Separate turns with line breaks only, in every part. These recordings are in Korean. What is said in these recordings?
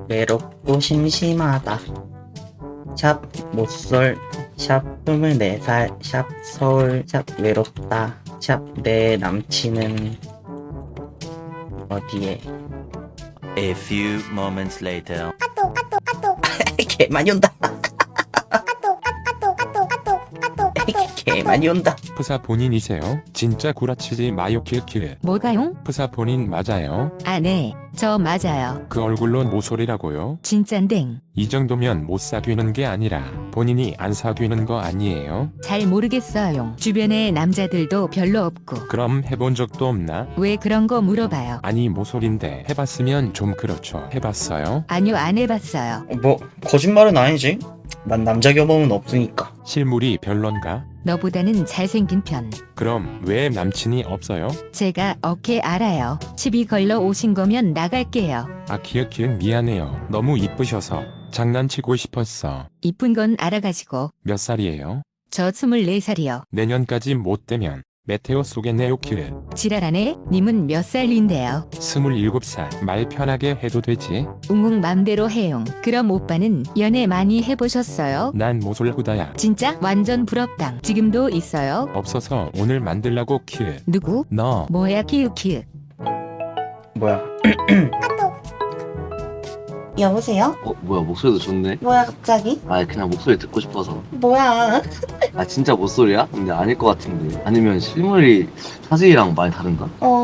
외롭고 심심하다. 샵 못쏠 샵 24살 샵 서울 샵 외롭다 샵 내 남친은 어디에.
A few moments later.
개 많이 온다. 개 많이 온다.
프사 본인이세요? 진짜 구라치지 마요. 키키키.
뭐가용?
프사 본인 맞아요?
아, 네. 저 맞아요.
그 얼굴로 모쏠이라고요?
진짠댕.
이 정도면 못 사귀는 게 아니라 본인이 안 사귀는 거 아니에요?
잘 모르겠어요. 주변에 남자들도 별로 없고.
그럼 해본 적도 없나?
왜 그런 거 물어봐요?
아니 모쏠인데 해봤으면 좀 그렇죠. 해봤어요?
아니요, 안 해봤어요.
뭐 거짓말은 아니지. 난 남자 경험은 없으니까.
실물이 별론가?
너보다는 잘생긴 편.
그럼 왜 남친이 없어요?
제가 어깨 알아요. 시비 걸러 오신 거면 나갈게요.
아 키읔키읔 미안해요. 너무 이쁘셔서 장난치고 싶었어.
이쁜 건 알아가지고.
몇 살이에요?
저 24살이요.
내년까지 못 되면 메테오 쏘겠네요. 키읔.
지랄하네? 님은 몇 살인데요?
27살. 말 편하게 해도 되지?
웅웅 맘대로 해용. 그럼 오빠는 연애 많이 해보셨어요?
난 모쏠 후다야.
진짜? 완전 부럽당. 지금도 있어요?
없어서 오늘 만들라고. 키읔.
누구?
너.
뭐야 키읔키읔.
뭐야? 여보세요?
뭐야, 목소리도 좋네.
뭐야 갑자기?
아, 그냥 목소리 듣고 싶어서.
뭐야?
아, 진짜 목소리야? 근데 아닐 것 같은데. 아니면 실물이 사진이랑 많이 다른가?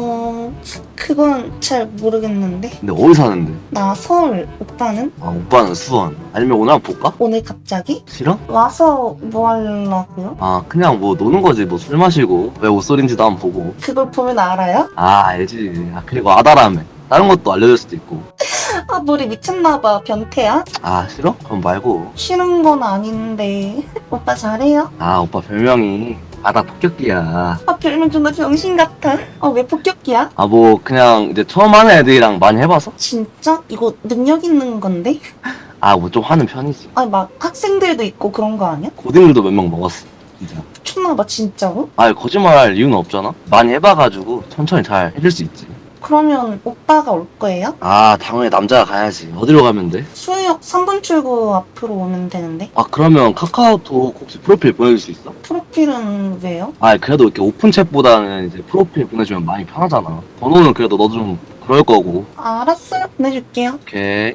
그건 잘 모르겠는데.
근데 어디 사는데?
나 서울. 오빠는?
아, 오빠는 수원. 아니면 오늘 한번 볼까?
오늘 갑자기?
싫어?
와서 뭐 하려고요?
아, 그냥 뭐 노는 거지. 뭐 술 마시고. 왜 옷소리인지도 한번 보고.
그걸 보면 알아요?
아, 알지. 아, 그리고 아다라며. 다른 것도 알려줄 수도 있고.
아, 머리 미쳤나봐. 변태야?
아, 싫어? 그럼 말고.
싫은 건 아닌데. 오빠 잘해요?
아, 오빠 별명이 바다 폭격기야.
아, 별명 존나 병신 같아. 왜 폭격기야?
아, 뭐 그냥 이제 처음 하는 애들이랑 많이 해봐서?
진짜? 이거 능력 있는 건데?
아, 뭐 좀 하는 편이지.
아니, 막 학생들도 있고 그런 거 아니야?
고딩들도 몇 명 먹었어. 진짜.
미쳤나봐, 진짜로?
아, 거짓말할 이유는 없잖아. 많이 해봐가지고 천천히 잘 해줄 수 있지.
그러면 오빠가 올 거예요?
아, 당연히 남자가 가야지. 어디로 가면 돼?
수유역 3분 출구 앞으로 오면 되는데.
아, 그러면 카카오톡 혹시 프로필 보내줄 수 있어?
프로필은 왜요?
아, 그래도 이렇게 오픈 챗보다는 이제 프로필 보내주면 많이 편하잖아. 번호는 그래도 너도 좀 그럴 거고.
알았어요. 보내줄게요.
오케이.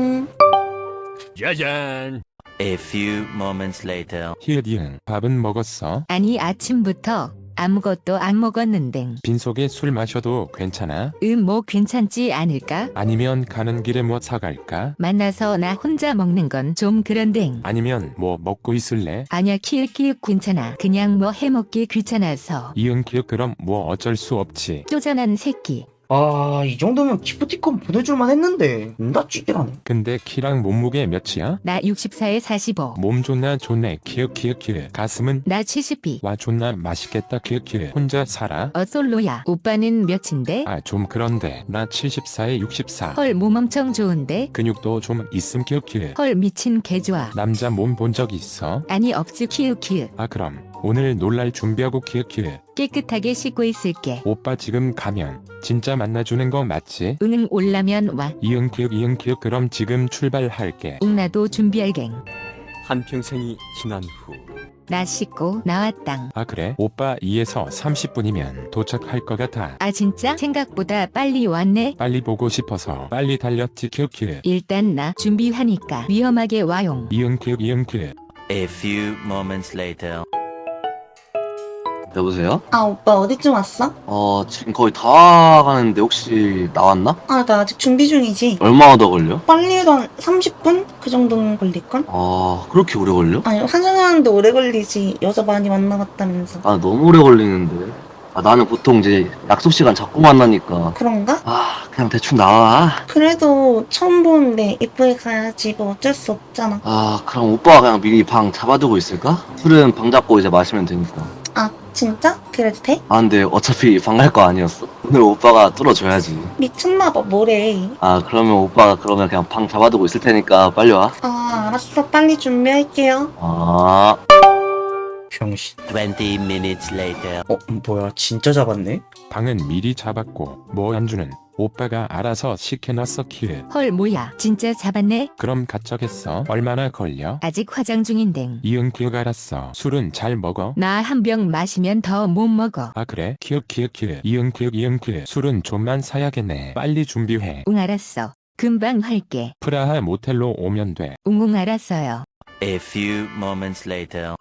A few moments later.
히읗이응. 밥은 먹었어?
아니 아침부터 아무것도 안 먹었는데.
빈속에 술 마셔도 괜찮아?
뭐 괜찮지 않을까?
아니면 가는 길에 뭐 사갈까?
만나서 나 혼자 먹는 건 좀 그런데.
아니면 뭐 먹고 있을래?
아니야 키읔키읔 괜찮아. 그냥 뭐 해먹기 귀찮아서.
이응 키읔. 그럼 뭐 어쩔 수 없지.
쪼잔한 새끼.
이 정도면 기프티콘 보내줄만 했는데. 나 찌질하네.
근데 키랑 몸무게 몇이야?
나 64에 45.
몸 존나 좋네. 키읔 키읔 키읔. 가슴은?
나 72.
와 존나 맛있겠다. 키읔 키읔. 혼자 살아?
솔로야. 오빠는 몇인데?
아 좀 그런데 나 74에 64.
헐 몸 엄청 좋은데?
근육도 좀 있음. 키읔 키읔.
헐 미친 개좋아.
남자 몸 본 적 있어?
아니 없지 키읔키읔.
아 그럼 오늘 놀랄 준비하고. 키읔 키읔.
깨끗하게 씻고 있을게.
오빠 지금 가면 진짜 만나주는 거 맞지?
응 올라면 와.
이응 키읔. 그럼 지금 출발할게.
응 나도 준비할갱.
한평생이 지난 후
나 씻고 나왔당.
아 그래? 오빠 2에서 30분이면 도착할 것 같아.
아 진짜? 생각보다 빨리 왔네.
빨리 보고 싶어서 빨리 달렸지. 키읔.
일단 나 준비하니까 위험하게 와용.
이응 키읔.
A few moments later.
여보세요?
오빠 어디쯤 왔어?
지금 거의 다 가는데 혹시 나왔나?
나 아직 준비 중이지.
얼마나 더 걸려?
빨리 해도 한 30분? 그 정도는 걸릴걸?
아, 그렇게 오래 걸려?
아니, 환승하는데 오래 걸리지. 여자 많이 만나봤다면서.
아, 너무 오래 걸리는데. 아, 나는 보통 이제 약속 시간 잡고 만나니까.
그런가?
아, 그냥 대충 나와.
그래도 처음 보는데 이쁘게 가야지. 뭐 어쩔 수 없잖아.
아, 그럼 오빠가 그냥 미리 방 잡아두고 있을까? 술은 방 잡고 이제 마시면 되니까.
진짜? 그래도 돼?
아, 근데 어차피 방 갈 거 아니었어? 오늘 오빠가 뚫어줘야지.
미쳤나봐. 뭐래.
아, 그러면 오빠가 그러면 그냥 방 잡아두고 있을 테니까 빨리 와.
알았어. 빨리 준비할게요.
아.
병신.
20 minutes later.
뭐야. 진짜 잡았네?
방은 미리 잡았고 뭐 안주는 오빠가 알아서 시켜놨어 키읔.
헐 뭐야 진짜 잡았네.
그럼 가쩌겠어. 얼마나 걸려?
아직 화장 중인댕.
이응 키읔 알았어. 술은 잘 먹어?
나 한 병 마시면 더 못 먹어.
아 그래? 키읔 이응 키읔 술은 좀만 사야겠네. 빨리 준비해.
응 알았어. 금방 할게.
프라하 모텔로 오면 돼.
웅웅 알았어요.
A few moments later.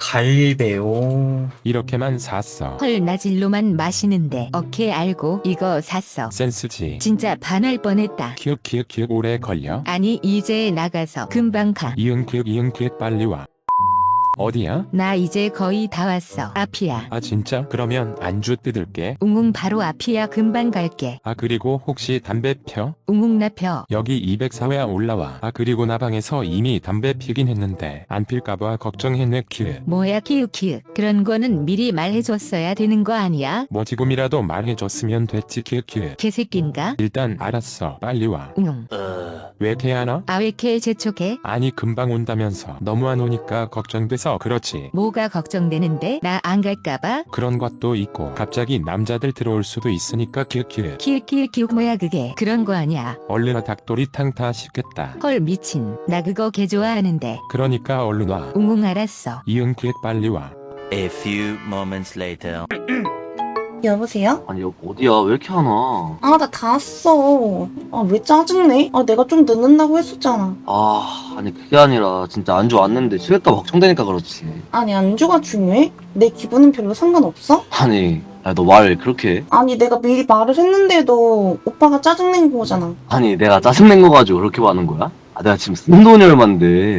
갈배요.
이렇게만 샀어.
헐 나 진로만 마시는데. 오케이 알고 이거 샀어.
센스지.
진짜 반할 뻔했다.
키읔 오래 걸려?
아니 이제 나가서 금방 가.
이응 키읔 빨리 와. 어디야?
나 이제 거의 다 왔어. 앞이야.
아 진짜? 그러면 안주 뜯을게.
웅웅 바로 앞이야. 금방 갈게.
아 그리고 혹시 담배 펴?
웅웅 나 펴.
여기 204회 올라와. 아 그리고 나 방에서 이미 담배 피긴 했는데 안 필까봐 걱정했네 키읔.
뭐야 키읔. 그런 거는 미리 말해줬어야 되는 거 아니야?
뭐 지금이라도 말해줬으면 됐지 키읔.
개새낀가?
일단 알았어. 빨리 와.
웅웅.
왜 개하나?
아 왜 이렇게 재촉해?
아니 금방 온다면서. 너무 안 오니까 걱정돼서 그렇지.
뭐가 걱정되는데? 나 안 갈까봐?
그런 것도 있고 갑자기 남자들 들어올 수도 있으니까 키읔.
키읔 뭐야 그게? 그런 거 아니야.
얼른 와 닭도리탕 다 시켰다.
헐 미친. 나 그거 개 좋아하는데.
그러니까 얼른 와.
웅웅 알았어.
이응 키읔 빨리 와.
A few moments later.
여보세요?
아니 여기 어디야? 왜 이렇게 안 와?
아, 나 다 왔어. 아, 왜 짜증내? 아, 내가 좀 늦는다고 했었잖아.
아 아니 그게 아니라 진짜 안주 왔는데 취했다 걱정되니까 그렇지.
아니, 안주가 중요해? 내 기분은 별로 상관없어?
아니 너 말 그렇게 해?
아니, 내가 미리 말을 했는데도 오빠가 짜증낸 거잖아.
아니 내가 짜증낸 거 가지고 그렇게 많은 거야? 아 내가 지금 쓴 돈이 얼만데.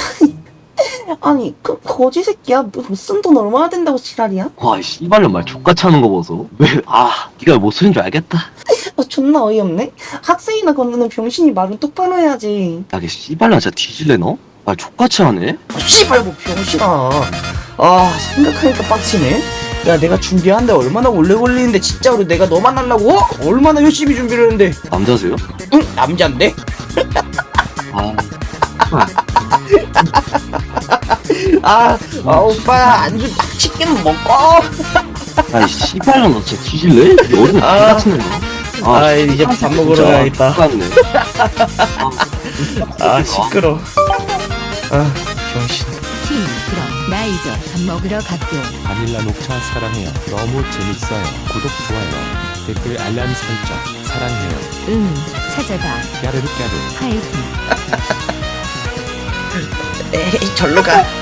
아니, 그 거지 새끼야. 못 쓴 돈 얼마나 된다고 지랄이야?
와 씨발년 말 족같이 하는 거 보소. 네가 못 쓰는 줄 알겠다.
아, 존나 어이없네? 학생이나 건드는 병신이 말은 똑바로 해야지.
야, 걔 씨발년 진짜 뒤질래 너? 말 족같이 하네?
아, 씨발 뭐 병신아. 아 생각하니까 빡치네. 야 내가 준비하는데 얼마나 오래 걸리는데 진짜로 내가 너 만나려고? 얼마나 열심히 준비를 했는데.
남자세요?
응 남잔데?
아,
오빠 안주 딱 치킨 먹어.
아이 씨발년 너 진짜 뒤질래? 이 어린 개같은 애.
아, 이제 밥 먹으러 가야겠다.
똑같네.
시끄러. 아 병신.
그럼 나 이제 밥 먹으러 갈게.
바닐라 녹차 사랑해요. 너무 재밌어요. 구독 좋아요. 댓글 알람 설정 사랑해요.
응 찾아봐.
까르르
파이팅.
에이 절로 가.